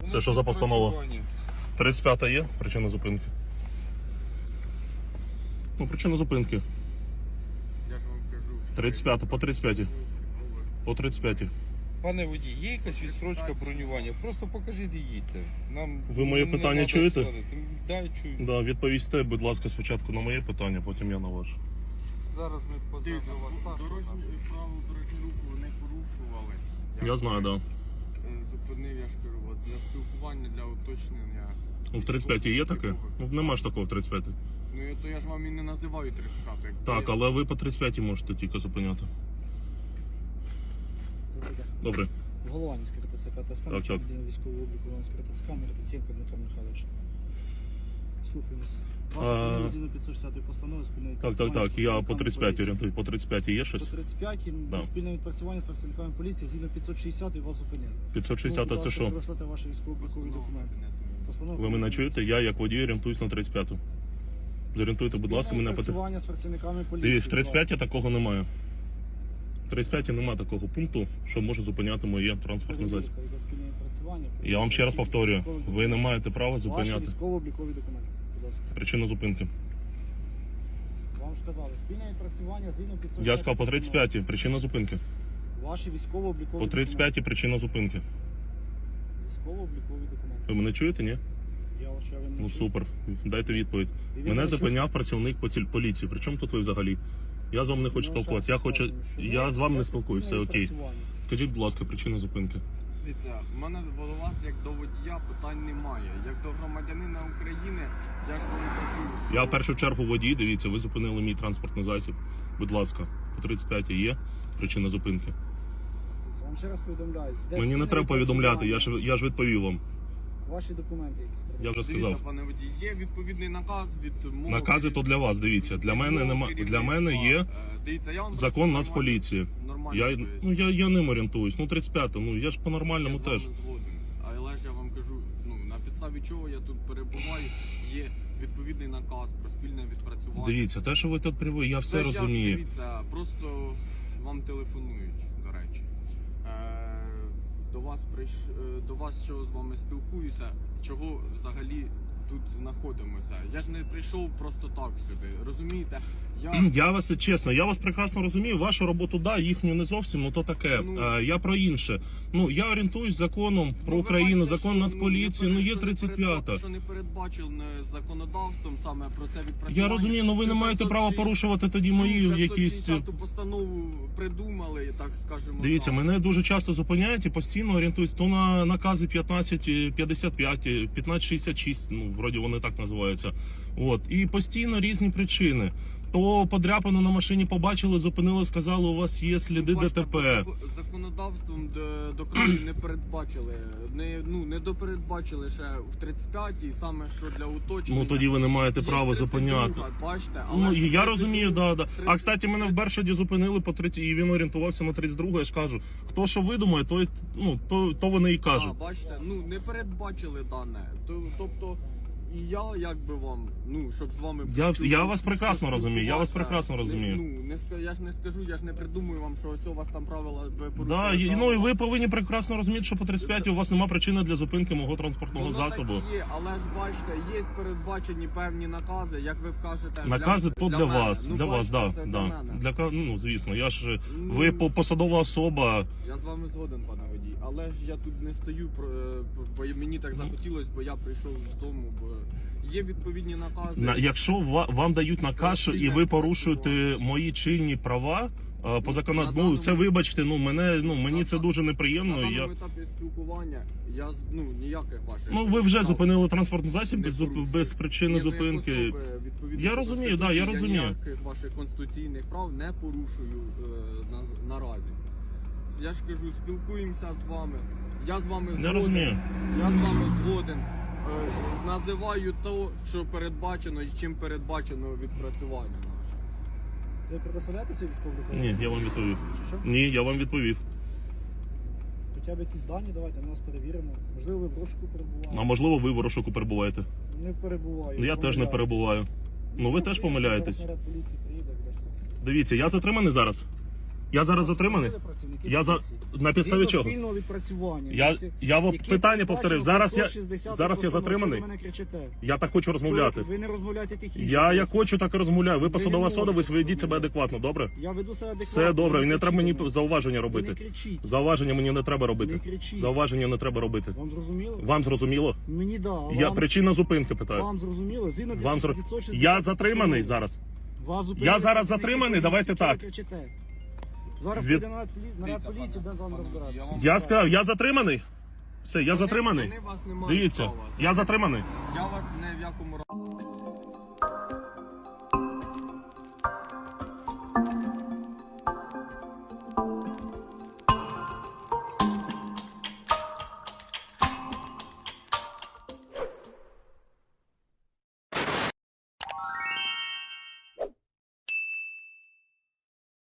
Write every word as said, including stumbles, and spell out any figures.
Це що за постанова? тридцять п'ята є причина зупинки? Ну, причина зупинки. Я ж вам кажу. тридцять п'ята, по тридцять п'ятій. По тридцять п'ятій. Пане водій, є якась відстрочка бронювання? Просто покажіть і їдьте. Нам Ви моє не питання треба чуєте? сварити. Да, чую. Да, відповісте, будь ласка, спочатку на моє питання, потім я на ваше. Зараз ми познаємо Дивіться, вас. дорожні правила дорожнього руху не порушували. Я знаю, так. Е, Зупинив, я ж кажу, от, для спілкування, для уточнення. Да. В тридцять п'ятій є таке? Ну, нема ж такого в тридцять п'ятій. Ну, я- то я ж вам і не називаю тридцять п'яту. Як Так, я- але ви по тридцять п'ятій можете тільки зупиняти. Добре. Голованівське РТЦК та Так, спальник так. військового обліку Голованівського РТЦК, Мироценко Дмитро Михайлович. Слухаємось. А, Ваша згідно п'ятсот шістдесятої постанови спільної Так, так, так. Я по тридцять п'ятій орієнтую. По тридцять п'ятій є По щось? тридцять п'ятій Да. спільне відпрацювання з працівниками поліції згідно п'ятсот шістдесятої вас зупинили. п'ятсот шістдесят це що? Використати ваші військово-облікові документи. Постанова Ви мене чуєте? Я як водій орієнтуюсь на тридцять п'яту. Зорієнтуйте, будь ласка, мене по Відпрацювання з працівниками поліції. Дивіться, в тридцять п'ятій такого немає. В тридцять п'ятій немає такого пункту, що може зупиняти моє транспортне засіб. Я вам ще раз повторюю, ви не маєте права Ваші зупиняти. військово-облікові документи, будь ласка. Причина зупинки. Вам ж казали, спільне відпрацювання згідно п'ятсот Я сказав по тридцять п'ятій. Причина зупинки. Ваші військово-облікові По тридцять п'ятій причина зупинки. Військово-облікові документи. Ви мене чуєте, ні? Я вас ще ви не Ну чую. супер. Дайте відповідь. І він Мене не зупиняв працівник поті- поліції. При чому тут ви взагалі? Я з вами не хочу Ну, спілкуватися. Я зараз хочу. скажемо, що Я ви- з вами не це спілкуюся, все спільне окей. відпрацювання. Скажіть, будь ласка, причина зупинки. Дивіться, в мене до вас, як до водія, питань немає. Як до громадянина України, я ж вам кажу, що... Я в першу чергу водій, дивіться, ви зупинили мій транспортний засіб. Будь ласка, по тридцять п'ятій є причина зупинки. Це Вам ще раз повідомляю. Де Мені не спільне треба повідомляти, я відпрацювання? ж я ж відповів вам. Ваші документи якісь треба. Я вже Дивіться, сказав. пане водій, є відповідний наказ від мого... Накази то для вас, дивіться. Для мене нема для мене є Е, Дивіться, я вам закон просто Нацполіції. Нормально Я поясню. ну я, я ним орієнтуюсь. Ну тридцять п'ята, ну я ж по Я нормальному з вами теж. згоден. Але ж я вам кажу, ну на підставі чого я тут перебуваю, є відповідний наказ про спільне відпрацювання. Дивіться, те, що ви тут приводите, я все Це ж я, розумію. Дивіться, просто вам телефонують, до речі. Е, до вас прийш... е, до вас що з вами спілкуюся, чого взагалі тут знаходимося. Я ж не прийшов просто так сюди, розумієте? Я, Я вас чесно, я вас прекрасно розумію. Вашу роботу, да, їхню не зовсім, ну то таке. Ну, а, я про інше. Ну я орієнтуюсь законом про Ну, ви Україну, бачите, закон що, Нацполіції. не Ну є перед- тридцять п'ята. Що не передбачено законодавством саме про це відпрацювання. Я розумію, але ви не Цю маєте права п'ятсот порушувати тоді шістдесят мої якісь. п'ятсот шістдесяту постанову придумали, так скажемо. Дивіться, так. мене дуже часто зупиняють і постійно орієнтують то на накази п'ятнадцять п'ятдесят п'ять, п'ятнадцять шістдесят шість, ну вроді вони так називаються. От і постійно різні причини. То подряпину на машині побачили, зупинили, сказали, у вас є сліди Бачите, ДТП. зако- законодавством до, до краю не передбачили. Не, ну, не допередбачили ще в тридцять п'ятій, саме що для уточнення. Ну тоді ви не маєте Є права тридцять зупиняти. друга, бачите, Ну але ж я тридцять розумію, друга- да, да. А тридцять кстати, мене в Бершаді зупинили по третій, і він орієнтувався на тридцять другу, я ж кажу. Хто що видумає, то й- ну то, то вони і кажуть. А, бачите, ну не передбачили дане. То- Тобто і я як би вам, ну щоб з вами Я- поспіл- я вас прекрасно розумію, я вас поспілкуватися, прекрасно розумію. Не, ну не ска- я ж не скажу, я ж не придумую вам, що ось у вас там правила ви Да, порушуєте. і, ну і ви повинні прекрасно розуміти, що по тридцять п'ятій у вас немає причини для зупинки мого транспортного Воно засобу. так є, але ж бачите, є передбачені певні накази, як ви кажете. Накази то для мене. вас, Ну, для вас, бачите, да, це да. для мене. Для ка- ну звісно, я ж Ну, ви по- посадова особа. Я з вами згоден, пане водій, але ж я тут не стою, про- е, бо мені так захотілося, бо я прийшов з дому, бо є відповідні накази. На якщо ва- вам дають наказ, що і ви порушуєте мої чинні права. а, По На закону, ну даному- це вибачте, ну мене ну мені це дуже На неприємно. даному Я етапі спілкування я з- ну ніяких ваших. ну ви вже прав зупинили транспортний засіб не без, зуп- порушую. без причини Ні, ну, як зупинки. особи, відповідно Я до розумію, да, я Конституції, розумію. ніяких ваших конституційних прав не порушую е, на, наразі. Я ж кажу, спілкуємося з вами. Я з вами Не згоден. розумію. Я з вами згоден. Е, називаю то, що передбачено і чим передбачено відпрацювання наше. Ви предоставляєтеся військово-облікові? Ні, я вам відповів. Що, що? Ні, я вам відповів. Хоча б якісь дані, давайте, ми вас перевіримо. Можливо, ви в розшуку перебуваєте? А можливо, ви в розшуку перебуваєте? Не перебуваю. Ну, я теж не помиляюсь. перебуваю. Ну ви теж помиляєтесь. Зараз наряд поліції приїде, буде. Дивіться, я затриманий зараз. Я зараз затриманий? Працівники Я за поліції. на підставі Згідно чого? спільного відпрацювання. Я, Всі- я в які питання передбачено повторив. Зараз я сто шістдесят зараз я постанови. затриманий. Чого ви мене кричите? Я так хочу розмовляти. Чого Ви не розмовляєте тихіше. Я як хочу, так і розмовляю. Ви Ви посадова не особа, ви можете ведіть себе розмовляти. адекватно, добре? Я веду себе адекватно. Все добре, і не кричіть треба мені на мене. зауваження Ви робити. не кричіть. Зауваження мені не треба Не робити. кричіть. Зауваження не треба робити. Вам зрозуміло? Вам зрозуміло? Мені да. а Я вам, причина зупинки питаю. вам зрозуміло? Згідно Вам зро- п'ятсот шістдесят Я затриманий постанови. зараз. Вас зупинили Я зараз працівники затриманий, поліції. давайте Чого ви так. кричите? Зараз Від- піде наряд полі- наряд Дивіться, поліції, пане, де з вами пане, розбиратися. я вам- Я сказав, я затриманий. Все, я Вони- затриманий. вони вас не мають Дивіться, права я затриманий. Я вас не в якому разі.